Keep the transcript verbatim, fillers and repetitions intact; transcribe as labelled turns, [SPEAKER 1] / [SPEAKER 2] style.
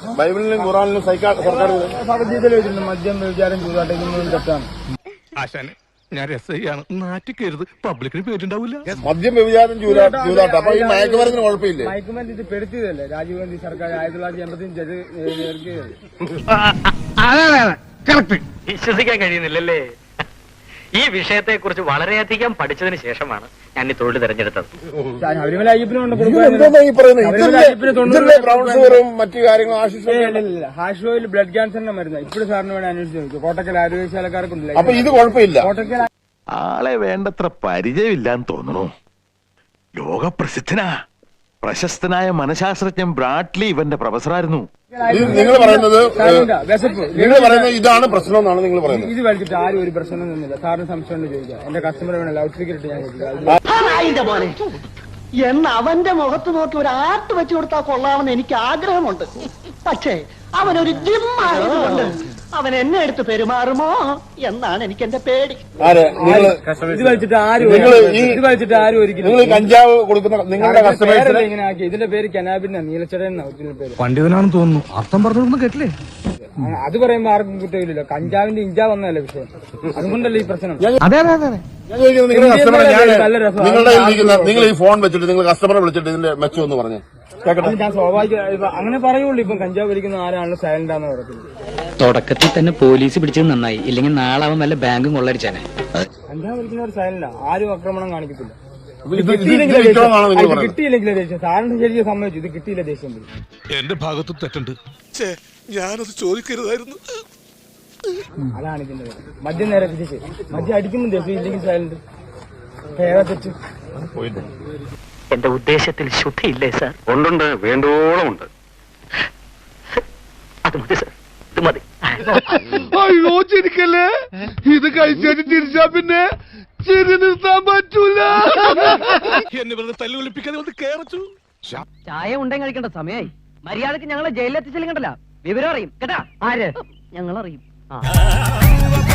[SPEAKER 1] ബൈബിളിലും ഖുറാനിലും സർക്കാർ
[SPEAKER 2] ഭഗവത്ഗീതയിൽ വെച്ചിട്ടുണ്ട് മദ്യം വ്യഭിചാരം ചൂതാട്ടം തെറ്റാണ്.
[SPEAKER 3] ആശാനെ ഞാൻ രസയാണ് നാറ്റിക്കരുത്, പബ്ലിക്കിന് പേരുണ്ടാവില്ല.
[SPEAKER 1] മദ്യം വ്യഭിചാരം ചൂതാട്ടം അപ്പൊ ഈ മയക്കുമരുന്നിന് കുഴപ്പമില്ലേ?
[SPEAKER 2] മയക്കുമരുന്ന് ഇത് പെടുത്തിയതല്ലേ രാജീവ് ഗാന്ധി സർക്കാർ ആയിരത്തി തൊള്ളായിരത്തി എൺപത്തി
[SPEAKER 4] വിശ്വസിക്കാൻ കഴിയുന്നില്ലല്ലേ? ഈ വിഷയത്തെ കുറിച്ച് വളരെയധികം പഠിച്ചതിന് ശേഷമാണ് ഞാൻ ഈ തൊഴിൽ തിരഞ്ഞെടുത്തത്.
[SPEAKER 2] ശബരിമല അയ്യപ്പനുണ്ട്
[SPEAKER 1] മറ്റു കാര്യങ്ങളും
[SPEAKER 2] ഹാഷ് ഓയിൽ ബ്ലഡ് ക്യാൻസറിന്റെ മരുന്ന് ഇപ്പോഴും സാറിന് വേണ്ടി അന്വേഷിച്ച് നോക്കും. കോട്ടക്കൽ ആരോഗ്യശാലക്കാർക്കുണ്ടല്ലോ.
[SPEAKER 1] അപ്പൊ ഇത് കുഴപ്പമില്ല.
[SPEAKER 2] കോട്ടക്കൽ
[SPEAKER 5] ആളെ വേണ്ടത്ര പരിചയമില്ലാന്ന് തോന്നുന്നു. ലോകപ്രസിദ്ധനാ പ്രശസ്തനായ മനഃശാസ്ത്രജ്ഞൻ ബ്രാഡ്ലി ഇവന്റെ പ്രൊഫസറായിരുന്നു.
[SPEAKER 1] നിങ്ങൾ പറയുന്നത് നിങ്ങൾ പറയുന്നത് ഇതാണ് പ്രശ്നം എന്നാണ് നിങ്ങൾ പറയുന്നത്.
[SPEAKER 2] ഇത് വലിച്ചിട്ട് ആരും ഒരു പ്രശ്നം ഒന്നുമില്ല. സാറിന് സംശയം ചോദിക്കാം. എന്റെ കസ്റ്റമർ വേണം ലൗഡ് സ്പീക്കർ ഇട്ട് ഞാൻ ചോദിക്കാം.
[SPEAKER 6] എന്ന് അവന്റെ മുഖത്ത് നോക്കി ഒരു ആർട്ട് വെച്ചു കൊടുത്താൽ കൊള്ളാമെന്ന് എനിക്ക് ആഗ്രഹമുണ്ട്. പക്ഷേ അവനൊരു ജിമ്മായതുകൊണ്ട് അവൻ എന്നെ എടുത്ത് പെരുമാറുമോ എന്നാണ് എനിക്ക് എന്റെ പേടി.
[SPEAKER 2] ഇത് വലിച്ചിട്ട് ആരും ഇത് വലിച്ചിട്ട് ആരും ഒരിക്കലും
[SPEAKER 1] നിങ്ങൾ കഞ്ചാവ് കൊടുക്കുന്ന നിങ്ങളുടെ കസ്റ്റമേഴ്സിനെ
[SPEAKER 2] ഇങ്ങനെ ആക്കി. ഇതിന്റെ പേര് കനാബിന്റെ നീലച്ചട എന്നാ പേര്.
[SPEAKER 3] പണ്ഡിതനാണെന്ന് തോന്നുന്നു. അർത്ഥം പറഞ്ഞൊന്നും കേട്ടില്ലേ?
[SPEAKER 2] അത് പറയുമ്പോ ആർക്കും കുറ്റമില്ലല്ലോ. കഞ്ചാവിന്റെ ഇഞ്ചാവ് വന്നതല്ലേ വിഷയം. അതുകൊണ്ടല്ലേ ഈ പ്രശ്നം.
[SPEAKER 3] അതെ അതെ അതെ
[SPEAKER 1] ഞാൻ ചോദിക്കുന്നത് നിങ്ങളുടെ കസ്റ്റമറെ ഞാൻ നിങ്ങളുടെ ഇരിക്കുന്ന നിങ്ങൾ ഈ ഫോൺ വെച്ചിട്ട് നിങ്ങൾ കസ്റ്റമറെ വിളിച്ചിട്ട് ഇതിന്റെ മെച്ചം എന്ന് പറഞ്ഞു
[SPEAKER 2] ഞാൻ സ്വാഭാവിക അങ്ങനെ പറയുള്ളൂ. ഇപ്പം കഞ്ചാവ് വലിക്കുന്ന ആരാണല്ലോ സൈലന്റ് ആണെന്ന് പറയുന്നത്.
[SPEAKER 7] തുടക്കത്തിൽ തന്നെ പോലീസ് പിടിച്ചത് നന്നായി, ഇല്ലെങ്കിൽ നാളെ അവൻ വല്ല ബാങ്കും കൊള്ളടിച്ചാനെ.
[SPEAKER 2] കഞ്ചാവ് വലിക്കുന്നവർ സൈലന്റാ, ആരും ആക്രമണം കാണിക്കത്തില്ല.
[SPEAKER 1] കിട്ടിയില്ലെങ്കിൽ
[SPEAKER 2] കിട്ടിയില്ലെങ്കിലേ ദേഷ്യം. സാറിന് ശരിക്കും സമ്മതിച്ചു ഇത് കിട്ടിയില്ല ദേഷ്യം.
[SPEAKER 3] എന്റെ ഭാഗത്തും തെറ്റുണ്ട്. ഞാനത് ചോദിക്കരുതായിരുന്നു.
[SPEAKER 2] അതാണ് ഇതിന്റെ മദ്യം നേരെ തിരിച്ച് മദ്യം അടിക്കുമ്പോൾ ദേഷ്യം, ഇല്ലെങ്കിൽ സൈലന്റ്. ഏതാ തെറ്റ്?
[SPEAKER 4] എന്റെ ഉദ്ദേശത്തിൽ ശുദ്ധിയില്ലേ സാർ? ഉണ്ടുണ്ട്, വേണ്ടോളം ഉണ്ട്. അത് മതി സാർ, ഇത് മതി.
[SPEAKER 3] അയ്യോ ചിരിക്കല്ലേ, ഇത് കഴിച്ചിട്ട് തിരിച്ചാ പിന്നെ ചിരി നിർത്താൻ പറ്റൂല. എന്നെ വെറുതെ തല്ലുകൊളിപ്പിക്കാതെ ഒന്ന് കേറച്ചു.
[SPEAKER 6] ചായ ഉണ്ടെങ്കിൽ കഴിക്കേണ്ട സമയമായി. മര്യാദക്ക് ഞങ്ങളെ ജയിലിലെത്തിച്ചില്ലെങ്കിലല്ല വിവരം അറിയും കേട്ടാ. ആര്? ഞങ്ങൾ അറിയും.